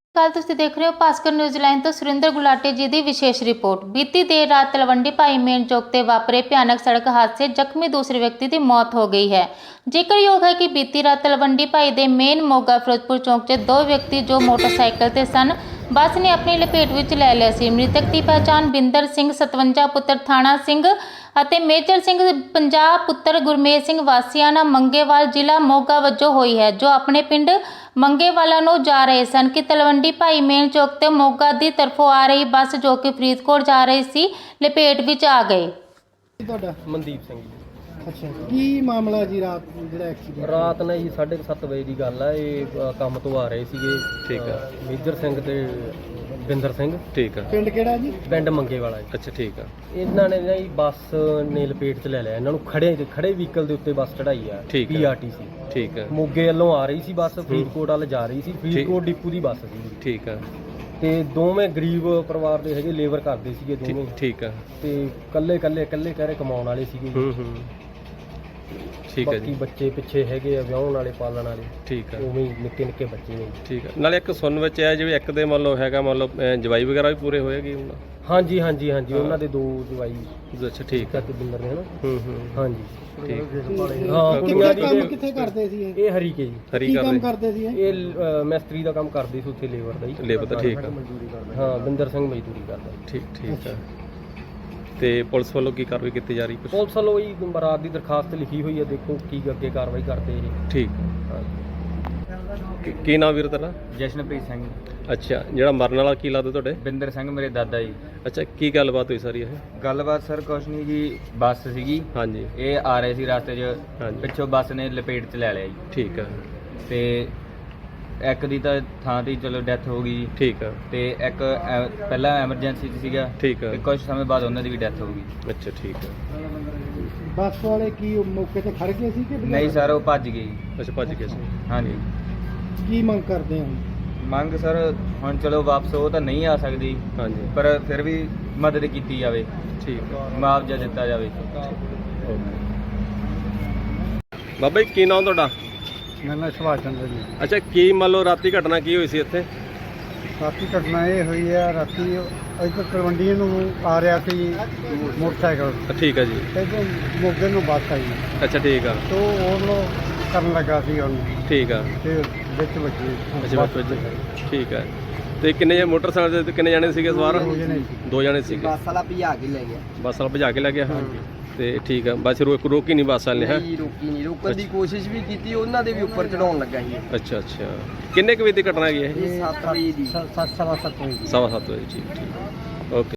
ਕੱਲ ਤੁਸੀਂ ਦੇਖ ਰਹੇ ਹੋ ਭਾਸਕਰ ਨਿਊਜ਼ੀਲੈਂਡ ਤੋਂ ਸੁਰਿੰਦਰ ਗੁਲਾਟੀ ਜੀ ਦੀ ਵਿਸ਼ੇਸ਼ ਰਿਪੋਰਟ। ਬੀਤੀ ਦੇਰ ਰਾਤ ਤਲਵੰਡੀ ਭਾਈ ਮੇਨ ਚੌਕ ਤੇ ਵਾਪਰੇ ਭਿਆਨਕ ਸੜਕ ਹਾਦਸੇ ਜ਼ਖਮੀ ਦੂਸਰੇ ਵਿਅਕਤੀ ਦੀ ਮੌਤ ਹੋ ਗਈ ਹੈ। ਜ਼ਿਕਰਯੋਗ ਹੈ ਕਿ ਬੀਤੀ ਰਾਤ ਤਲਵੰਡੀ ਭਾਈ ਦੇ ਮੇਨ ਮੋਗਾ ਫਿਰੋਜ਼ਪੁਰ ਚੌਕ 'ਚ ਦੋ ਵਿਅਕਤੀ ਜੋ ਮੋਟਰਸਾਈਕਲ ਤੇ ਸਨ ਬੱਸ ਨੇ ਆਪਣੀ ਲਪੇਟ ਵਿੱਚ ਲੈ ਲਿਆ ਸੀ। ਮ੍ਰਿਤਕ ਦੀ ਪਛਾਣ ਬਿੰਦਰ ਸਿੰਘ 57 ਪੁੱਤਰ ਥਾਣਾ ਸਿੰਘ ਅਤੇ ਮੇਜਰ ਸਿੰਘ 50 ਪੁੱਤਰ ਗੁਰਮੇਜ ਸਿੰਘ ਵਾਸੀਆਣਾ ਮੰਗੇਵਾਲ ਜ਼ਿਲ੍ਹਾ ਮੋਗਾ ਵਜੋਂ ਹੋਈ ਹੈ, ਜੋ ਆਪਣੇ ਪਿੰਡ ਮੰਗੇਵਾਲਾ ਨੂੰ ਜਾ ਰਹੇ ਸਨ ਕਿ ਤਲਵੰਡੀ ਭਾਈ ਮੇਨ ਚੌਕ ਤੇ ਮੋਗਾ ਦੀ ਤਰਫੋਂ ਆ ਰਹੀ ਬੱਸ ਜੋ ਕਿ ਫਰੀਦਕੋਟ ਜਾ ਰਹੀ ਸੀ ਲਪੇਟ ਵਿੱਚ ਆ ਗਏ। ਤੁਹਾਡਾ ਮਨਦੀਪ ਸਿੰਘ ਜੀ। ਅੱਛਾ, ਕੀ ਮਾਮਲਾ ਜੀ ਰਾਤ ਜਿਹੜਾ ਐਕਸੀਡੈਂਟ? ਰਾਤ ਨੇ ਜੀ 7:30 ਵਜੇ ਦੀ ਗੱਲ ਆ। ਇਹ ਕੰਮ ਤੋਂ ਆ ਰਹੇ ਸੀਗੇ। ਠੀਕ ਆ। ਮੇਜਰ ਸਿੰਘ ਤੇ ਬਿੰਦਰ ਸਿੰਘ। ਠੀਕ ਆ। ਪਿੰਡ ਕਿਹੜਾ ਜੀ? ਪਿੰਡ ਮੰਗੇ ਵਾਲਾ ਜੀ। ਅੱਛਾ ਠੀਕ ਆ। ਇਹਨਾਂ ਨੇ ਨਾ ਜੀ ਬੱਸ ਨੇ ਲਪੇਟ 'ਚ ਲੈ ਲਿਆ ਇਹਨਾਂ ਨੂੰ। ਖੜੇ ਵਹੀਕਲ ਦੇ ਉੱਤੇ ਬੱਸ ਚੜਾਈ ਆ। ਠੀਕ ਆ। ਪੀਆਰਟੀਸੀ ਠੀਕ ਆ। ਮੋਗੇ ਵੱਲੋਂ ਆ ਰਹੀ ਸੀ ਬੱਸ, ਫਰੀਦਕੋਟ ਵੱਲ ਜਾ ਰਹੀ ਸੀ। ਫਰੀਦਕੋਟ ਡਿਪੂ ਦੀ ਬੱਸ ਸੀ। ਠੀਕ ਆ। ਤੇ ਦੋਵੇਂ ਗਰੀਬ ਪਰਿਵਾਰ ਦੇ ਹੈਗੇ, ਲੇਬਰ ਕਰਦੇ ਸੀਗੇ ਦੋਵੇਂ। ਠੀਕ ਆ। ਤੇ ਇਕੱਲੇ ਕਹਿ ਰਹੇ ਕਮਾਉਣ ਵਾਲੇ ਸੀਗੇ। ਠੀਕ ਹੈ ਜੀ। ਬਾਕੀ ਬੱਚੇ ਪਿੱਛੇ ਹੈਗੇ ਆ, ਵਿਆਹਣ ਵਾਲੇ, ਪਾਲਣ ਵਾਲੇ। ਠੀਕ ਆ। ਉਵੇਂ ਹੀ ਨਿੱਕੇ ਨਿੱਕੇ ਬੱਚੇ ਨੇ। ਠੀਕ ਆ। ਨਾਲੇ ਇੱਕ ਸੁਣਨ ਵਿੱਚ ਆਇਆ ਜਿਵੇਂ ਇੱਕ ਦੇ ਮੰਨ ਲਓ ਹੈਗਾ, ਮੰਨ ਲਓ ਜਵਾਈ ਵਗੈਰਾ ਵੀ ਪੂਰੇ ਹੋਏਗੀ ਉਹਨਾਂ? ਹਾਂਜੀ ਉਹਨਾਂ ਦੇ ਦੋ ਜਵਾਈ। ਅੱਛਾ ਠੀਕ ਆ। ਤੇ ਬਿੰਦਰ ਨੇ ਹਨਾ। ਠੀਕ। ਹਾਂਜੀ ਹਾਂ, ਕੁੜੀਆਂ ਦੀ ਕੰਮ ਕਿੱਥੇ ਕਰਦੇ ਸੀ ਇਹ? ਇਹ ਹਰੀਕੇ ਜੀ। ਹਰੀ ਕੀ ਕੰਮ ਕਰਦੇ ਕਰਦੇ ਸੀ ਇਹ? ਇਹ ਮਿਸਤਰੀ ਦਾ ਕੰਮ ਕਰਦੇ ਸੀ ਉੱਥੇ, ਲੇਬਰ ਦਾ ਹੀ। ਲੇਬਰ ਦਾ। ਠੀਕ ਆ। ਹਾਂ, ਬਿੰਦਰ ਸਿੰਘ ਮਜ਼ਦੂਰੀ ਕਰਦਾ। ਠੀਕ ਆ। ਤੇ ਪੁਲਿਸ ਵੱਲੋਂ ਕੀ ਕਾਰਵਾਈ ਕੀਤੀ ਜਾ ਰਹੀ ਕੁਛ? ਪੁਲਿਸ ਵੱਲੋਂ ਹੀ ਬਰਾਤ ਦੀ ਦਰਖਾਸਤ ਲਿਖੀ ਹੋਈ ਹੈ, ਦੇਖੋ ਕੀ ਅੱਗੇ ਕਾਰਵਾਈ ਕਰਦੇ ਇਹ। ਠੀਕ ਹਾਂ। ਕੀ ਨਾਮ ਵੀਰ ਤੇਰਾ? ਜਸ਼ਨਪ੍ਰੀਤ ਸਿੰਘ। ਅੱਛਾ, ਜਿਹੜਾ ਮਰਨ ਵਾਲਾ ਕੀ ਲੱਗਦਾ ਤੁਹਾਡੇ? ਬਿੰਦਰ ਸਿੰਘ ਮੇਰੇ ਦਾਦਾ ਜੀ। ਅੱਛਾ, ਕੀ ਗੱਲਬਾਤ ਹੋਈ ਸਾਰੀ ਇਹ? ਗੱਲਬਾਤ ਸਰ ਕੁਛ ਨਹੀਂ ਜੀ, ਬੱਸ ਸੀਗੀ, ਹਾਂਜੀ ਇਹ ਆ ਰਹੇ ਸੀ ਰਸਤੇ 'ਚ, ਹਾਂਜੀ। ਪਿੱਛੋਂ ਬੱਸ ਨੇ ਲਪੇਟ 'ਚ ਲੈ ਲਿਆ ਜੀ। ਠੀਕ ਆ। ਤੇ ਇੱਕ ਦੀ ਤਾਂ ਥਾਂ ਤੇ ਹੀ ਚਲੋ ਡੈਥ ਹੋ ਗਈ ਜੀ, ਠੀਕ ਆ। ਤੇ ਇੱਕ ਪਹਿਲਾਂ ਐਮਰਜੈਂਸੀ 'ਚ ਸੀਗਾ, ਠੀਕ ਆ। ਤੇ ਕੁਝ ਸਮੇਂ ਬਾਅਦ ਉਹਨਾਂ ਦੀ ਵੀ ਡੈਥ ਹੋ ਗਈ। ਅੱਛਾ ਠੀਕ ਆ। ਬੱਸ ਵਾਲੇ ਕੀ ਉਹ ਮੌਕੇ ਤੇ ਖੜ ਗਏ ਸੀ ਕਿ ਨਹੀਂ ਸਰ, ਉਹ ਭੱਜ ਗਏ ਜੀ। ਅੱਛਾ, ਭੱਜ ਗਏ ਸੀ। ਹਾਂਜੀ। ਕੀ ਮੰਗ ਕਰਦੇ ਹੋ? ਮੰਗ ਸਰ ਹੁਣ ਚਲੋ ਵਾਪਸ ਉਹ ਤਾਂ ਨਹੀਂ ਆ ਸਕਦੀ, ਹਾਂਜੀ ਪਰ ਫਿਰ ਵੀ ਮਦਦ ਕੀਤੀ ਜਾਵੇ, ਠੀਕ ਆ। ਮੁਆਵਜ਼ਾ ਦਿੱਤਾ ਜਾਵੇ। ਬਾਬਾ ਜੀ ਕੀ ਨਾਮ ਤੁਹਾਡਾ? ਮੇਰਾ ਨਾਮ ਸੁਭਾਸ਼ ਚੰਦਰ ਜੀ। ਅੱਛਾ, ਕੀ ਮੰਨ ਲਓ ਰਾਤੀ ਘਟਨਾ ਕੀ ਹੋਈ ਸੀ ਇੱਥੇ? ਰਾਤੀ ਘਟਨਾ ਇਹ ਹੋਈ ਹੈ, ਰਾਤੀ ਇੱਧਰ ਤਲਵੰਡੀ ਨੂੰ ਆ ਰਿਹਾ ਸੀ ਮੋਟਰਸਾਈਕਲ, ਠੀਕ ਆ ਜੀ। ਇੱਧਰ ਮੋਗੇ ਨੂੰ ਬੱਸ ਆਈ, ਅੱਛਾ ਠੀਕ ਆ। ਤੋ ਉਹਨੂੰ ਕਰਨ ਲੱਗਾ ਸੀ ਉਹਨੂੰ, ਠੀਕ ਆ। ਤੇ ਵਿੱਚ ਵੱਜੀ। ਅੱਛਾ ਠੀਕ ਆ। ਤੇ ਕਿੰਨੇ ਮੋਟਰਸਾਈਕਲ ਤੇ ਕਿੰਨੇ ਜਾਣੇ ਸੀਗੇ ਸਵਾਰ? ਦੋ ਜਣੇ ਸੀ। ਦੋ ਜਾਣੇ ਸੀਗੇ। ਬੱਸ ਵਾਲਾ ਭਜਾ ਕੇ ਲੈ ਗਿਆ। ਬੱਸ ਵਾਲਾ ਭਜਾ ਕੇ ਲੈ ਗਿਆ? ਤੇ ਠੀਕ ਆ। ਬੱਸ ਰੋਕੀ ਨਹੀਂ ਬੱਸ ਵਾਲੇ? ਹੈ ਨਹੀਂ ਰੋਕੀ ਨਹੀਂ, ਰੋਕਣ ਦੀ ਕੋਸ਼ਿਸ਼ ਵੀ ਕੀਤੀ, ਉਹਨਾਂ ਦੇ ਵੀ ਉੱਪਰ ਚੜਾਉਣ ਲੱਗਾ ਸੀ। ਅੱਛਾ ਕਿੰਨੇ ਕੁ ਵਜੇ ਦੀ ਘਟਨਾ ਹੈਗੀ ਇਹ? ਇਹ 7 ਵਜੇ ਦੀ। 7:15 ਵਜੇ। 7:15 ਵਜੇ। ਠੀਕ ਓਕੇ।